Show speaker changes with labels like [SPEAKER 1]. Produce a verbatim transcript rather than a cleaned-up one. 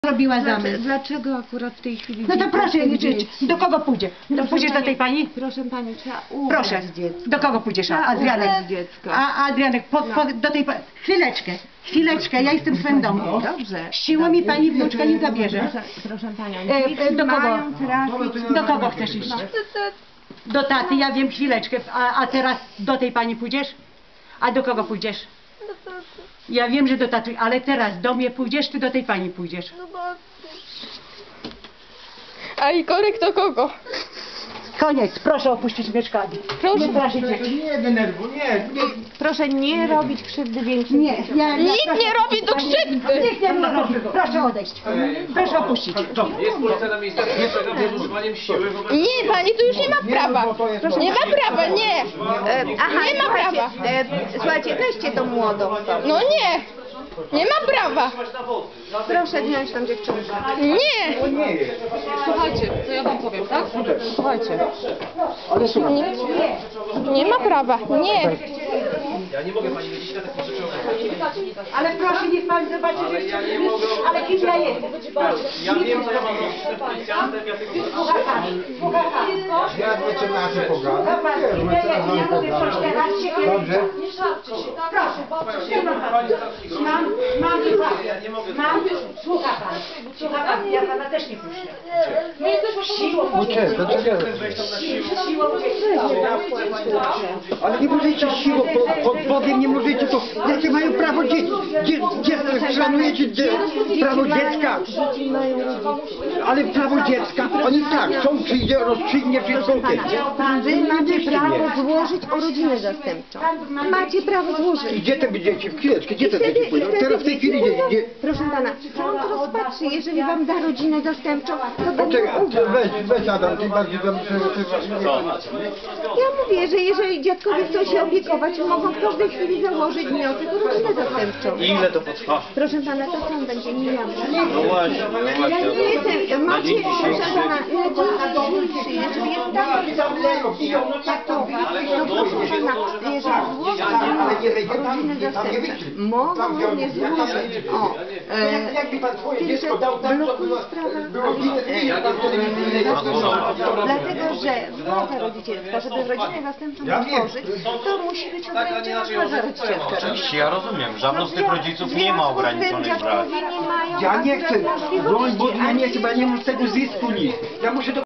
[SPEAKER 1] robiła zamysł.
[SPEAKER 2] Dlaczego akurat w tej chwili...
[SPEAKER 1] No to proszę liczyć. Do kogo pójdzie?
[SPEAKER 2] Proszę
[SPEAKER 1] Pójdziesz
[SPEAKER 2] pani,
[SPEAKER 1] do tej pani?
[SPEAKER 2] Proszę pani, trzeba ubrać
[SPEAKER 1] Proszę.
[SPEAKER 2] dziecko.
[SPEAKER 1] Do kogo pójdziesz? A,
[SPEAKER 2] Trzeba
[SPEAKER 1] Adrianek.
[SPEAKER 2] ubrać dziecko.
[SPEAKER 1] A Adrianek, po, po, do tej pani. Chwileczkę, chwileczkę, ja jestem w swoim domu.
[SPEAKER 2] Dobrze.
[SPEAKER 1] Siłą mi pani wnuczka nie zabierze.
[SPEAKER 2] Proszę, proszę panią,
[SPEAKER 1] E,
[SPEAKER 2] dzieci
[SPEAKER 1] e, do kogo?
[SPEAKER 2] mają trafić...
[SPEAKER 1] Do kogo chcesz iść? Do taty, ja wiem, chwileczkę. A, a teraz do tej pani pójdziesz? A do kogo pójdziesz?
[SPEAKER 3] Do taty.
[SPEAKER 1] Ja wiem, że do taty, ale teraz do mnie pójdziesz, czy do tej pani pójdziesz?
[SPEAKER 3] Do taty. A i korek do kogo?
[SPEAKER 1] Koniec, proszę opuścić mieszkanie.
[SPEAKER 3] Proszę.
[SPEAKER 1] Nie straszyć dzieci.
[SPEAKER 4] Nie denerwuj, nie, nie.
[SPEAKER 2] Proszę nie robić krzywdy większej.
[SPEAKER 1] Nie, ja, ja
[SPEAKER 3] Nikt
[SPEAKER 1] proszę,
[SPEAKER 3] nie robi do krzywdy.
[SPEAKER 1] Nikt nie robi. Proszę odejść. Proszę opuścić.
[SPEAKER 5] Jest policja na miejscu z używaniem siły wobec...
[SPEAKER 3] Nie, pani tu już nie ma prawa. Nie ma prawa, nie.
[SPEAKER 2] E, aha,
[SPEAKER 3] Nie ma
[SPEAKER 2] słuchajcie,
[SPEAKER 3] prawa.
[SPEAKER 2] e, słuchajcie, weźcie tą młodą.
[SPEAKER 3] No nie. Nie ma prawa.
[SPEAKER 2] Proszę wziąć tą dziewczynkę.
[SPEAKER 3] Nie.
[SPEAKER 4] Nie jest.
[SPEAKER 6] Słuchajcie, to ja wam powiem, tak? Słuchajcie.
[SPEAKER 4] Ale słuchaj.
[SPEAKER 3] Nie, nie ma prawa. Nie.
[SPEAKER 5] Ja nie mogę pani wiedzieć na takich rzeczach.
[SPEAKER 1] Ale proszę, niech pan zobaczy, że
[SPEAKER 5] Ale ja nie mogę...
[SPEAKER 1] ale kim ja jestem.
[SPEAKER 5] Ja wiem, co ja mam robić z policjantem, ja tylko...
[SPEAKER 1] Słucha pan, słucha pan.
[SPEAKER 4] Ja mecenasie pogadam.
[SPEAKER 1] Dobra,
[SPEAKER 4] Wiesz,
[SPEAKER 1] ja, ja,
[SPEAKER 4] mecenas
[SPEAKER 1] ja mówię coś
[SPEAKER 4] pogadam.
[SPEAKER 1] teraz, się
[SPEAKER 4] Dobrze?
[SPEAKER 1] Proszę, nie ma pan. Mam, mam i pan. Mam, słucha pan. Słucha pan, ja pana też nie puszczę. Siłą,
[SPEAKER 4] Poczekaj, poczekaj.
[SPEAKER 1] siłą,
[SPEAKER 4] Ale nie możecie siłą, po, pod Bogiem nie możecie to. Jakie mają prawo dzieci? Dzie, dzie, szanujecie dzie, prawo dziecka?
[SPEAKER 2] Dzieci mają rodziców.
[SPEAKER 4] Ale prawo dziecka, oni tak, są przyjdzie, rozstrzygnie wszystko.
[SPEAKER 2] Wy macie prawo złożyć o rodzinę zastępczą. Macie prawo złożyć.
[SPEAKER 4] Gdzie te dzieci? Chwileczkę, gdzie te
[SPEAKER 2] Wtedy-
[SPEAKER 4] dzieci pójdą?
[SPEAKER 2] wtedy
[SPEAKER 4] Teraz w tej chwili
[SPEAKER 2] dzieci
[SPEAKER 4] gdzie, gdzie?
[SPEAKER 2] Proszę pana, sąd rozpatrzy, jeżeli wam da rodzinę zastępczą, to będą
[SPEAKER 4] Poczekaj,
[SPEAKER 2] uwag.
[SPEAKER 4] weź, weź Adam, ty bardziej tam
[SPEAKER 2] Ja mówię, że jeżeli dziadkowie chcą się opiekować, mogą w każdej chwili założyć wniosek o rodzinę zastępczą.
[SPEAKER 5] Ile to potrwa?
[SPEAKER 2] Proszę pana, to sąd będzie mijany.
[SPEAKER 5] No właśnie, no
[SPEAKER 2] Ja
[SPEAKER 5] właśnie.
[SPEAKER 2] nie jestem, macie, proszę pana, na dzień dzisiejszy, jeżeli jest tak traktować, to proszę pana, jeżeli złożą rodzinę zastępczą, mogą również złożyć, o, e,
[SPEAKER 4] Jakby pan twoje
[SPEAKER 2] tylko
[SPEAKER 4] dziecko dał tam, to
[SPEAKER 2] blokuje
[SPEAKER 4] było,
[SPEAKER 2] sprawę,
[SPEAKER 4] było winne,
[SPEAKER 2] ale,
[SPEAKER 4] nie, pan wtedy nie
[SPEAKER 2] dlatego, że władza rodzicielska, żeby rodzinę zastępczą
[SPEAKER 4] Ja wiem.
[SPEAKER 2] tworzyć, to musi być ograniczona władza rodzicielska.
[SPEAKER 7] Oczywiście ja rozumiem, żadną z tych
[SPEAKER 2] No,
[SPEAKER 7] rodziców nie ma ograniczonych praw.
[SPEAKER 2] dziadkowie nie mają
[SPEAKER 4] Ja nie chcę,
[SPEAKER 2] akurat
[SPEAKER 4] broń Boże, ja
[SPEAKER 2] możliwości,
[SPEAKER 4] nie chcę, bo ja nie mam z tego zysku nic. Ja muszę do